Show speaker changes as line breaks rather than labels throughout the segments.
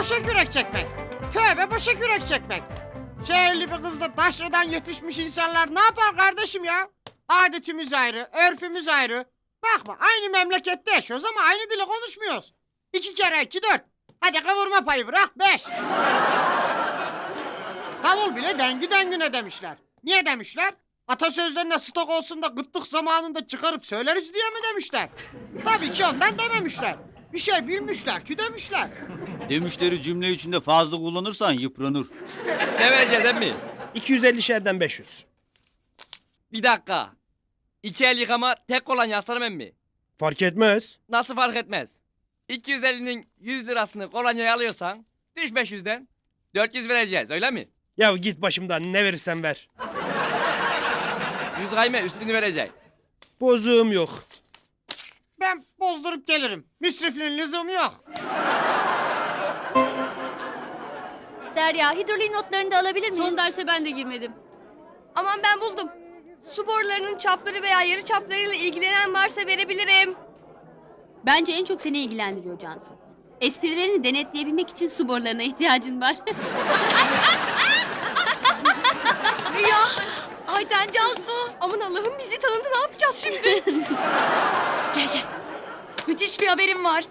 boşa kürek çekmek. Tövbe boşa kürek çekmek. Şehirli bir kızla taşradan yetişmiş insanlar ne yapar kardeşim ya? Adetimiz ayrı, örfümüz ayrı. Bakma aynı memlekette yaşıyoruz ama aynı dili konuşmuyoruz. 2 kere 2 4. Hadi kavurma payı bırak 5. Davul bile dengi dengine demişler. Niye demişler? Atasözlerine stok olsun da gıtlık zamanında çıkarıp söyleriz diye mi demişler? Tabii ki ondan dememişler. Bir şey bilmişler ki demişler.
Demişleri cümle içinde fazla kullanırsan yıpranır.
Ne vereceğiz emmi?
250 şerden 500.
Bir dakika. 2 el yıkama tek kolonya aslanım emmi.
Fark etmez.
Nasıl fark etmez? 250'nin 100 lirasını kolonyaya alıyorsan düş 500'den 400 vereceğiz öyle mi?
Ya git başımdan, ne verirsen ver.
100 kayme üstünü verecek.
Bozuğum yok.
Ben bozdurup gelirim. Müsrifliğin lüzumu yok.
Derya, hidroliğin notlarını da alabilir miyiz?
Son derse ben de girmedim.
Aman ben buldum. Su borularının çapları veya yarı çaplarıyla ilgilenen varsa verebilirim.
Bence en çok seni ilgilendiriyor Cansu. Esprilerini denetleyebilmek için su borularına ihtiyacın var.
Ya Ayten Cansu. Aman Allah'ım bizi tanıdı, ne yapacağız şimdi?
Gel. Müthiş bir haberim var.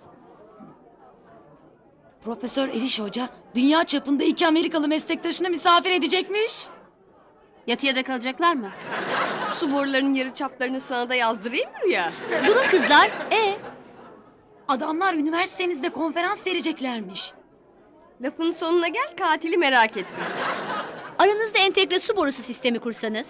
Profesör Eriş Hoca dünya çapında 2 Amerikalı meslektaşını misafir edecekmiş.
Yatıya da kalacaklar mı?
Su borularının yarı çaplarını sana da yazdırayım mı Rüya?
Durun kızlar.
Adamlar üniversitemizde konferans vereceklermiş.
Lafın sonuna gel, katili merak ettim.
Aranızda entegre su borusu sistemi kursanız.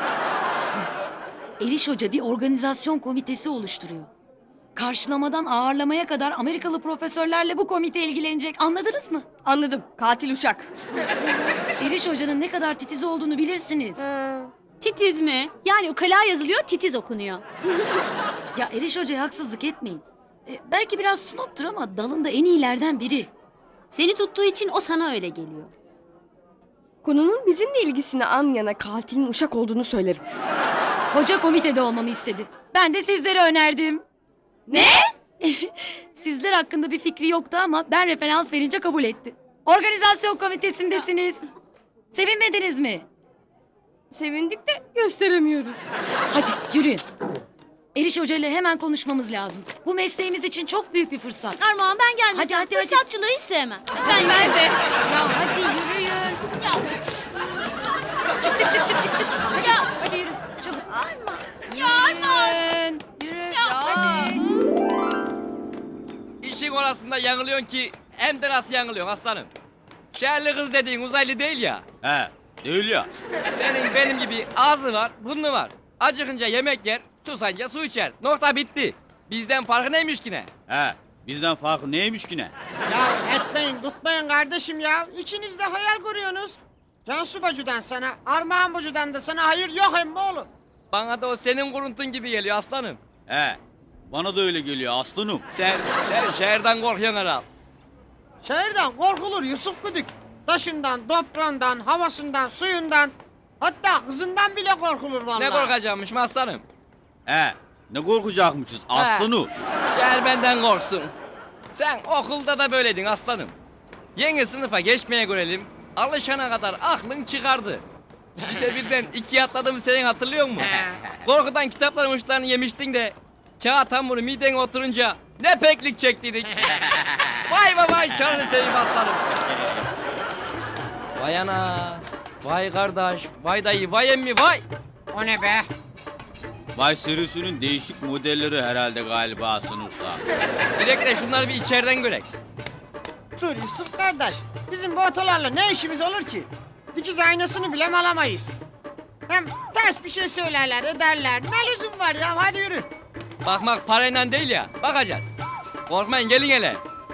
Eriş Hoca bir organizasyon komitesi oluşturuyor. Karşılamadan ağırlamaya kadar Amerikalı profesörlerle bu komite ilgilenecek. Anladınız mı?
Anladım, katil uşak.
Eriş Hoca'nın ne kadar titiz olduğunu bilirsiniz.
Titiz mi?
Yani ukala yazılıyor, titiz okunuyor.
Ya Eriş Hoca'ya haksızlık etmeyin. Belki biraz snoptur ama dalında en iyilerden biri.
Seni tuttuğu için o sana öyle geliyor.
Konunun bizimle ilgisini an yana katilin uşak olduğunu söylerim.
Hoca komitede olmamı istedi. Ben de sizlere önerdim.
Ne?
Sizler hakkında bir fikri yoktu ama ben referans verince kabul etti. Organizasyon komitesindesiniz. Sevinmediniz mi?
Sevindik de gösteremiyoruz.
Hadi yürüyün. Eriş Hoca ile hemen konuşmamız lazım. Bu mesleğimiz için çok büyük bir fırsat.
Armağan ben gelmesem
Hadi.
fırsatçılığı hiç sevmem.
Ben de.
Ya hadi yürüyün.
Ya,
Çık. Hadi yürü. Çabuk. Yürüyün. Yürü. Hadi.
İşin orasında yanılıyorsun ki hem de nasıl yanılıyorsun aslanım. Şehirli kız dediğin uzaylı değil ya.
He, değil ya.
Senin benim gibi ağzı var, burnu var. Acıkınca yemek yer, susanca su içer. Nokta bitti. Bizden farkı neymiş ki ne?
He, bizden farkı neymiş ki ne?
Ya etmeyin tutmayın kardeşim ya. İçinizde de hayal kuruyorsunuz. Cansu Bacı'dan sana, Armağan Bacı'dan da sana hayır yok emmoğlu.
Bana da o senin kuruntun gibi geliyor aslanım.
He, bana da öyle geliyor aslanım.
Sen şehirden korkuyorsun herhal.
Şehirden korkulur Yusuf Güdük. Taşından, toprağından, havasından, suyundan. Hatta kızından bile korkulur vallahi.
Ne korkacakmışım aslanım?
He, ne korkacakmışız aslanım.
Şehir benden korksun. Sen okulda da böyleydin aslanım. Yeni sınıfa geçmeye görelim. Alışana kadar aklın çıkardı. Lise birden 2'ye atladığımı senin hatırlıyor musun? Korkudan kitapların uçlarını yemiştin de kağıt hamuru midene oturunca ne peklik çektiydik. Vay vay canını seveyim aslanım. Vay ana, vay kardeş, vay dayı, vay emmi, vay.
O ne be?
Vay serisinin değişik modelleri herhalde galiba sınıfta.
Direkt de şunları bir içeriden görek.
Dur Yusuf kardeş. Bizim bu otolarla ne işimiz olur ki? Dikiz aynasını bile alamayız. Hem ters bir şey söylerler ederler. Ne lüzum var ya hadi yürü.
Bakmak parayla değil ya, bakacağız. Korkmayın gelin hele.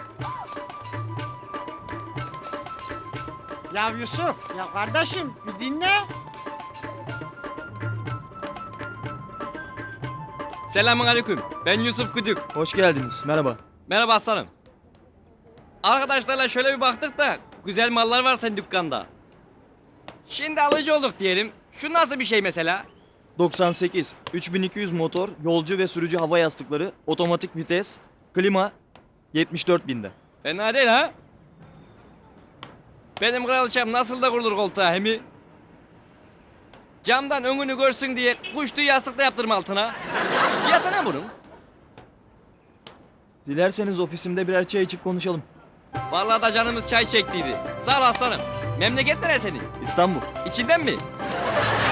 Ya Yusuf ya kardeşim bir dinle.
Selamun aleyküm, ben Yusuf Güdük.
Hoş geldiniz. Merhaba.
Merhaba aslanım. Arkadaşlarla şöyle bir baktık da güzel mallar var senin dükkanda. Şimdi alıcı olduk diyelim. Şu nasıl bir şey mesela?
98, 3200 motor, yolcu ve sürücü hava yastıkları, otomatik vites, klima 74 binde.
Fena değil ha? Benim kraliçem nasıl da kurulur koltuğa hemi? Camdan önünü görsün diye kuş tüyü yastıkta yaptırma altına. Fiyatı ne bunun?
Dilerseniz ofisimde birer çay içip konuşalım.
Vallahi da canımız çay çektiydi. Sağ ol aslanım. Memleket nere senin?
İstanbul.
İçinden mi?